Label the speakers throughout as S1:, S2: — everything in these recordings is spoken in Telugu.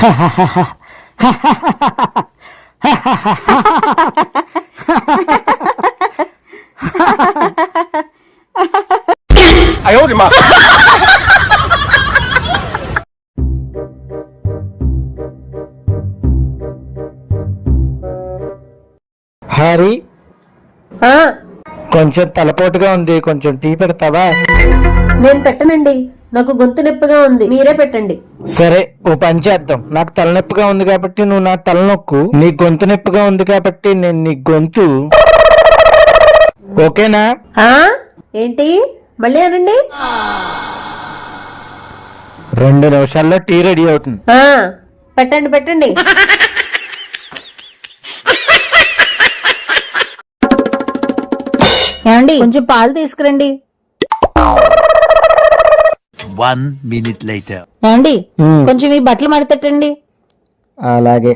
S1: 哎呦我的妈！
S2: హ్యారీ, కొంచెం తలపోటుగా ఉంది, కొంచెం టీ పెడతావా?
S3: నేను పెట్టనండి, నాకు గొంతు నొప్పిగా ఉంది, మీరే పెట్టండి.
S2: సరే, ఓ పని చేద్దాం. నాకు తలనొప్పిగా ఉంది కాబట్టి నువ్వు నా తలనొక్కు, నీ గొంతు నొప్పిగా ఉంది కాబట్టి నేను నీ గొంతు. ఓకేనా?
S3: ఏంటి మళ్ళీ అనండి.
S2: 2 నిమిషాల్లో టీ రెడీ అవుతుంది.
S3: పెట్టండి పెట్టండి. ఏమండి, కొంచెం పాలు తీసుకురండి.
S4: 1 minute later.
S3: ఏమండి, కొంచెం ఈ బట్టలు మడతట్టండి.
S2: అలాగే.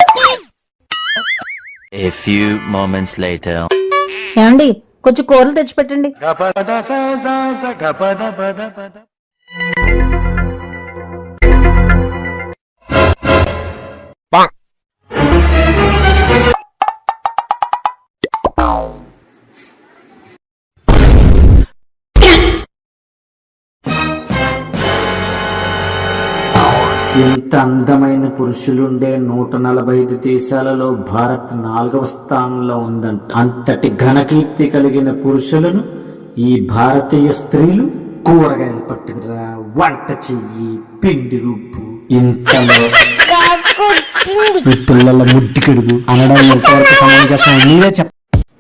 S4: A few moments later.
S3: ఏమండి, కొంచెం కూరలు తెచ్చిపెట్టండి.
S2: ఇంత అందమైన పురుషులుండే 145 దేశాలలో భారత్ 4వ స్థానంలో ఉందంట. అంతటి ఘనకీర్తి కలిగిన పురుషులను ఈ భారతీయ స్త్రీలు కూరగాయలు పట్టుకురా, వంట చెయ్యి, పిండి రుబ్బు, ఇంతలో ఈ పిల్లల ముడ్డి కడుగు అనడం ఎంతవరకు సమంజసం మీరే చెప్ప.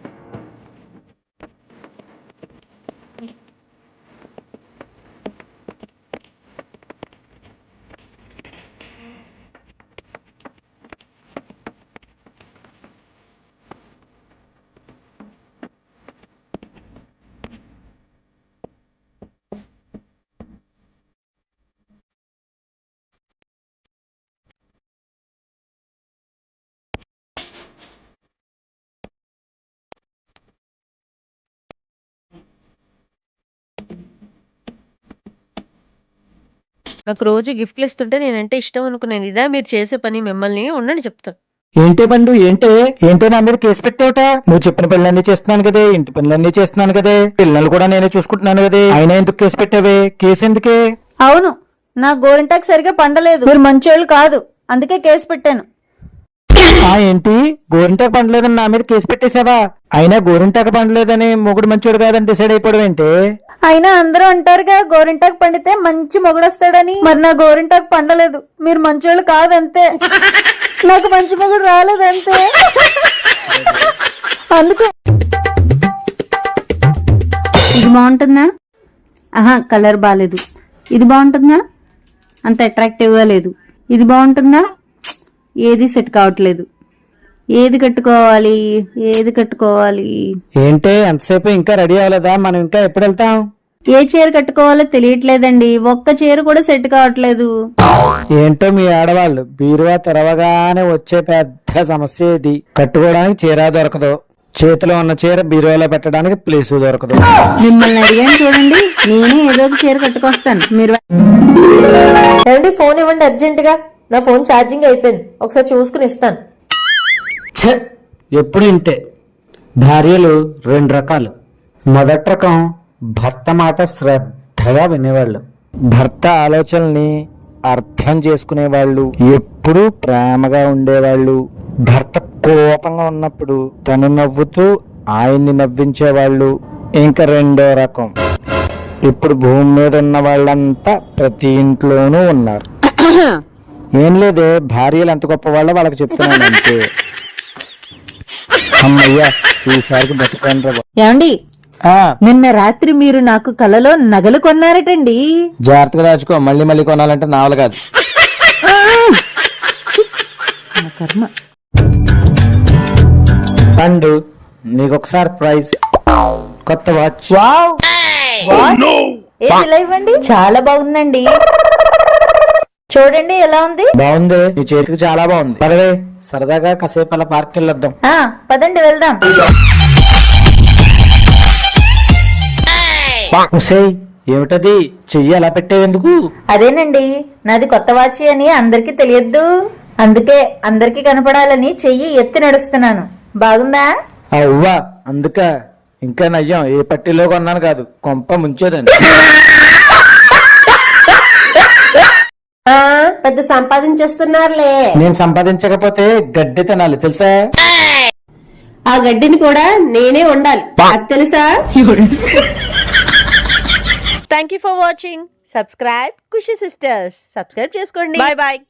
S5: నాకు రోజు గిఫ్ట్లు ఇస్తుంటే నేనంటే ఇష్టం అనుకున్నాను. ఇదా మీరు చేసే పని? మిమ్మల్ని ఉండండి చెప్తాను.
S2: ఏంటే పండు, ఏంటే నా మీద కేసు పెట్టావుట? నువ్వు చెప్పిన పనులన్నీ చేస్తున్నాను కదే, ఇంటి పనులన్నీ చేస్తున్నాను కదే, పిల్లలు కూడా నేనే చూసుకుంటున్నాను కదే, అయినా ఎందుకు కేసు పెట్టావే? కేసు ఎందుకే?
S3: అవును, నా గోరింటాకు సరిగా పండలేదు, మీరు మంచోళ్ళు కాదు, అందుకే కేసు పెట్టాను.
S2: ఏంటి, గోరింటాకు పండలేదని నా మీద కేసు పెట్టేశావా? అయినా గోరింటాకు పండలేదని మొగుడు మంచోడు కాదని డిసైడ్ అయిపోవడం ఏంటి?
S3: అయినా అందరూ అంటారుగా గోరింటాకు పండితే మంచి మొగుడొస్తాడని. మరి నా గోరింటాకు పండలేదు, మీరు మంచోళ్ళు కాదంతే, నాకు మంచి మొగుడు రాలేదంతే. అందుకే ఇది బాగుంటుందా? కలర్ బాగాలేదు. ఇది బాగుంటుందా? అంత అట్రాక్టివ్ గా లేదు. ఇది బాగుంటుందా? ఏది సెట్ కావట్లేదు. ఏది కట్టుకోవాలి?
S2: ఏంటే ఎంతసేపు ఇంకా రెడీ అవ్వలేదా? మనం ఇంకా ఎప్పుడు వెళ్తాం?
S3: ఏ చీర కట్టుకోవాలో తెలియట్లేదండి, ఒక్క చీర కూడా సెట్ కావట్లేదు.
S2: ఏంటో మీ ఆడవాళ్ళు బీరువా తెరవగానే వచ్చే పెద్ద సమస్య ఇది. కట్టుకోవడానికి చీర దొరకదు, చేతిలో ఉన్న చీర బీరువాలో పెట్టడానికి ప్లేస్ దొరకదు.
S3: మిమ్మల్ని అడిగాను చూడండి, నేనే ఏదో ఒక చీర కట్టుకొస్తాను. మీరు ఫోన్ ఇవ్వండి అర్జెంట్ గా, నా ఫోన్ ఛార్జింగ్ అయిపోయింది, ఒకసారి చూసుకుని ఇస్తాను.
S2: ఎప్పుడు ఇంతే. భార్యలు 2 రకాలు. మొదటి రకం భర్త మాట శ్రద్ధగా వినేవాళ్ళు, భర్త ఆలోచనల్ని అర్థం చేసుకునేవాళ్ళు, ఎప్పుడూ ప్రేమగా ఉండేవాళ్ళు. భర్త కోపంగా ఉన్నప్పుడు తను నవ్వుతూ ఆయన్ని నవ్వించేవాళ్ళు. ఇంకా 2వ రకం, ఇప్పుడు భూమి మీద ఉన్న వాళ్ళంతా ప్రతి ఇంట్లోనూ ఉన్నారు. ఏం లేదే, భార్యలు ఎంత గొప్ప వాళ్ళో వాళ్ళకి చెప్తున్నాను అంతే. అమ్మయ్యా, ఈసారికి బతుకండ్రా.
S3: ఏమండి, నిన్న రాత్రి మీరు నాకు కలలో నగలు కొన్నారటండి.
S2: జాగ్రత్తగా దాచుకో, మళ్ళీ కొనాలంటే నావలు కాదు.
S3: కర్మ.
S2: పండు, నీకొకసారి ప్రైజ్, కొత్త వాచ్.
S3: ఇలా ఇవ్వండి, చాలా బాగుందండి. చూడండి ఎలా ఉంది.
S2: బాగుంది, నీ చేతికి చాలా బాగుంది. పదవే, సరదాగా కాసేపు అలా పార్క్ వెళ్ళొద్దాం.
S3: పదండి వెళ్దాం.
S2: ఏమిటది? చెయ్యి ఎలా పెట్టేవెందుకు?
S3: అదేనండి, నాది కొత్త వాచి అని అందరికీ తెలియద్దు, అందుకే అందరికీ కనపడాలని చెయ్యి ఎత్తి నడుస్తున్నాను. బాగుందా?
S2: అవ్వా, అందుక ఇంకా నయ్యం ఏ పట్టీలో కొన్నాను కాదు, కొంప ముంచేదండి.
S3: పెద్ద సంపాదించేస్తున్నారులే.
S2: నేను సంపాదించకపోతే గడ్డి తినాలి తెలుసా?
S3: ఆ గడ్డిని కూడా నేనే ఉండాలి, అది తెలుసా?
S5: Thank you for watching. Subscribe Khushi sisters. Subscribe చేసుకోండి. Bye bye.